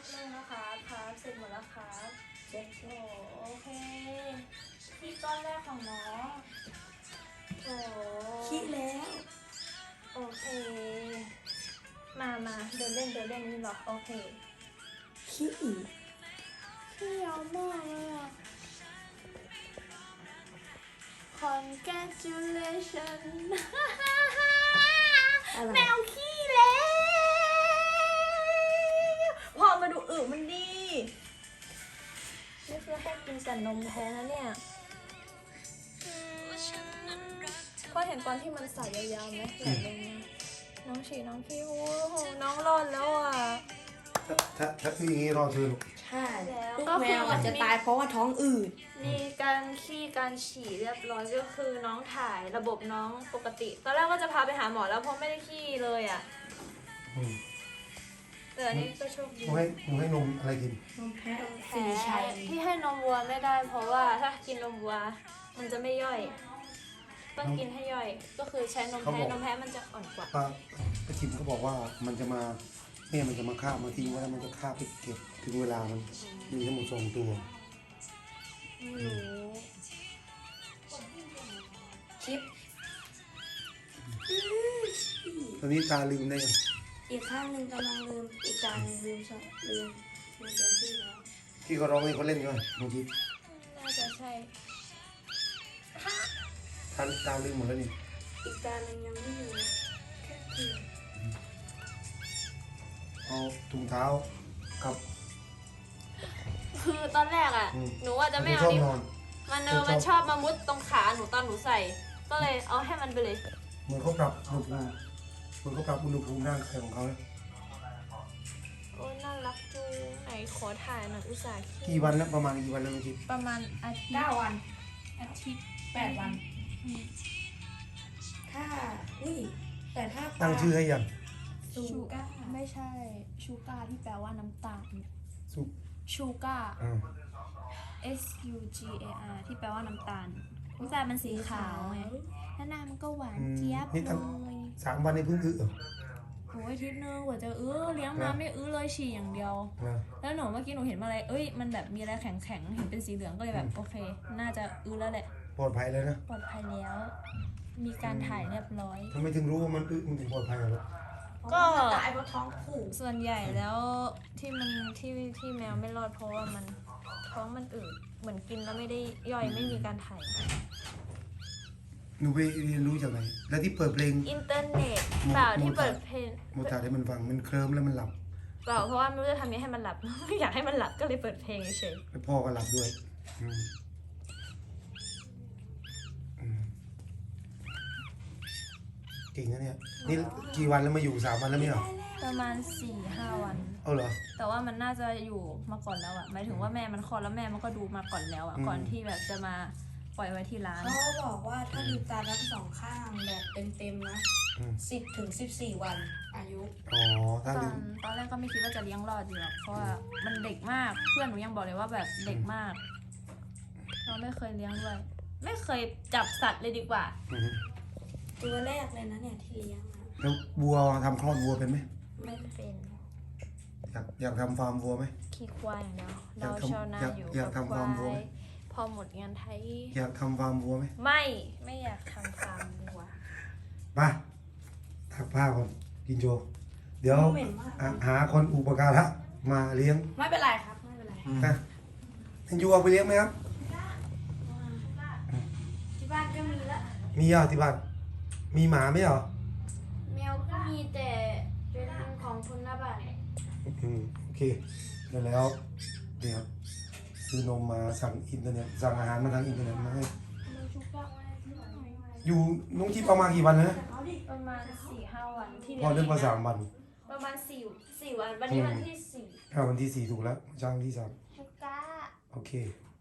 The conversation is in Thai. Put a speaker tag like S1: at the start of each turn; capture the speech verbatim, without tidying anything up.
S1: นึงนะคะครับเสร็จหมดแล้วครับเจ็ดโอ้โอเคที่ก้อนแรกของน้องโอ้
S2: คิดแล้ว
S1: โอเคมามาเดินเล่นเดินเล่นนี่หรอโอเค
S2: คิดอีก
S1: ขี้ยาวมากเลยอ่ะ congratulation
S2: อะไร
S1: แมวขี้แล้วพอมาดูอึมันดีนี่คือให้กินแต่นมแท้นะเนี่ยพอเห็นตอนที่มันใส่ยาวๆไหมไหลลงมาน้องฉี่น้องขี้โอ้โหน้องรอดแล้วอ่ะ
S3: ถ้าถ้าถ้าคืออย่างนี้รอเธอลูก
S2: ใช่
S1: แล้ว
S2: ลูก
S1: ก็คือ
S2: แมวอาจจะตายเพราะว่าท้องอืด
S1: มีการขี้การฉี่เรียบร้อยก็คือน้องถ่ายระบบน้องปกติ ตอนแรกก็จะพาไปหาหมอแล้วเพราะไม่ได้ขี้เลยอ่ะ
S3: อืม
S1: แต่อันนี้ก็โชคดี
S3: หนูให้หนูให้นมอะไรกิน
S2: นมแพะ
S1: แพ้
S2: สีชัย
S1: ที่ให้นมวัวไม่ได้ เพราะว่าถ้ากินนมวัวมันจะไม่ย่อย ต้องกินให้ย่อย ก็คือใช้นมแพ้นมแพ้มันจะอ่อนกว่า
S3: ป้าป้าชิมเขาบอกว่ามันจะมาแม่มันจะมาฆ่ามาทิ้งไว้แล้วมันจะฆ่าไปเก็บถึงเวลามันมีทั้งหมดสองตัว
S1: ไม่รู้
S2: คลิป
S3: ตอนนี้ตาลืมได้ยัง
S2: อีกข้างหนึ่งกำลังลืมอีกการหนึ่งลืมสองลืมลืมเต็มที่แล้ว
S3: ที่เขาร้องให้เขาเล่นกันเมื่อกี้
S1: น่าจะใช่
S3: ตาตาลืมหมดแล้วนี่
S2: อีกการหนึ่งยังไม่มีแค่คือ
S3: เอาถุงเท้ากับ
S1: คือตอนแรกอ่ะ
S3: อืม
S1: หนูว่าจะไม่เอา
S3: ชอบ
S1: นิ้วน
S3: อน
S1: มันเออ
S3: ชอบ
S1: มันชอบมามุดตรงขาหนูตอนหนูใส่ ก็เลยเอาให้มันไปเลย
S3: เหมือนเขาปรับอุณหภูมิเหมือนเขาปรับอุณหภูมิร่างกายของเขานะ
S1: โอ้ยน่ารักจูไหนขอถ่ายหน่อยอุตส่าห์
S3: กี่วันแล้วประมาณกี่วันแล้วเมื่อกี้
S1: ประมาณอาทิตย์
S2: เก้าวัน
S1: อาทิตย์
S2: แปดวัน ถ้าอุ้ยแต่ถ้า
S3: ตั้งชื่อให้ยัง
S2: ชูก้า
S1: ไม่ใช่ชูการ์ที่แปลว่าน้ำตาล
S3: สุ
S1: ชูการ์
S3: อ่า
S1: S U G A R ที่แปลว่าน้ำตาลน้ำตาลมันสีขาวไงแล้วหน้ามันก็หวานเจี๊ยบเลย
S3: สามวันในเพิ่งอึเหรอ
S1: โอ้ยอาทิตย์นึงกว่าจะอื้อเลี้ยงมาไม่อื้อเลยฉี่อย่างเดียว
S3: นะ
S1: แล้วหนูเมื่อกี้หนูเห็นมาอะไรเอ้ยมันแบบมีอะไรแข็งๆเห็นเป็นสีเหลืองก็เลยแบบโอเค น่าจะอื้อแล้วแหละ
S3: ปลอดภัยแล้วนะ
S1: ปลอดภัยแล้ว มีการถ่ายเรียบร้อย
S3: ทำไมถึงรู้ว่ามันอึมันถึงปลอดภัยเหรอ
S1: ก็
S2: ตายเพราะท้องผูก
S1: ส่วนใหญ่แล้วที่มันที่ที่แมวไม่รอดเพราะว่ามันท้องมันอืดเหมือนกินแล้วไม่ได้ย่อยไม่มีการถ่าย
S3: หนูไปเรียนรู้จากไหน แล้วที่เปิดเพลง
S1: อินเทอร์เน็ตเปล่าที่เปิดเพลง
S3: โมตาให้มันฟังมันเคลิ้มแล้วมันหลับ
S1: เปล่าเพราะว่าไม่รู้จะทำยังไงให้มันหลับ ไม่อยากให้มันหลับก็เลยเปิดเพลงเฉย
S3: แล้วพ่อก็หลับด้วยอืมอืมเก่งนะเนี่ย นี่กี่วันแล้วมาอยู่สามวันแล้วไม่เหรอ
S1: ๆประมาณสี่ห้าวัน
S3: เอาเหรอ
S1: แต่ว่ามันน่าจะอยู่มาก่อนแล้วอะหมายถึงว่าแม่มันคลอดแล้วแม่มันก็ดูมาก่อนแล้วอะ
S3: อืม
S1: ก่อนที่แบบจะมาปล่อยไว้ที่ร้าน
S2: เขาบอกว่าถ้าลืมตาทั้งสองข้างแบบเต็มๆนะ
S3: อืม
S2: สิบถึงสิบสี่วันอายุ
S3: อ๋อ ถ้า
S1: ตอ
S3: ลื
S1: น
S3: ม
S1: ตอนแรกก็ไม่คิดว่าจะเลี้ยงรอดอยู่หรอกเพราะว่ามันเด็กมากเพื่อนหนูยังบอกเลยว่าแบบเด็กมาก เราไม่เคยเลี้ยงด้วย ไม่เคยจับสัตว์เลยดีกว่า
S3: อืม
S2: ตัวแรกเลยนะเนี่ยที่เลี้ยงอะ
S3: แล้ววัวทำคลอดวัวเป็นไหม
S1: ไม่เป็น
S3: อยากอยากทำฟาร์มวัวไหม
S1: ขี้ควายอย่างเดียว
S3: อยา
S1: เรา
S3: กทำ
S1: ชาวนา
S3: อยาก
S1: อยู่
S3: อยาก
S1: กับ
S3: ทำ
S1: ควา
S3: ฟาร์มวัวไหม
S1: ยพอหมดงานไทย
S3: อยากทำฟาร์มวัวไหม
S1: ไม่ไม่อยากทำฟาร์มวัว
S3: มาถักผ้าก่อนกินโจ เดี๋ยว
S2: เหม็นมาก
S3: อ่ะหาคนอุปการะมาเลี้ยง
S2: ไม่เป็นไรครับไม่เป็นไร
S3: นะทันยูเอาไปเลี้ยงไหมครับ
S2: ที่บ้านก็มีละ
S3: มีอ่ะที่บ้าน มีหมาไหมเหรอ
S1: แมวก็มีแต่เป็นของคนหน้าบ้าน
S3: อืมโอเคเดี๋ยวแล้วเดี๋ยวซื้อนมมาสั่งอินเทอร์เน็ตสั่งอาหารมาทางอินเทอร์เน็ตมาให้อยู่น้องจิ๊บเอามากี่วันแล้วนะ
S1: ประมาณสี่ห้าวันที่
S3: พอเรื่องมาสามวัน
S1: ประมาณสี่สี่วันวันนี้วันที่สี่
S3: อ่าวันที่สี่ถูกแล้วจ้างวันที่สาม
S1: ชูก้า
S3: โอเค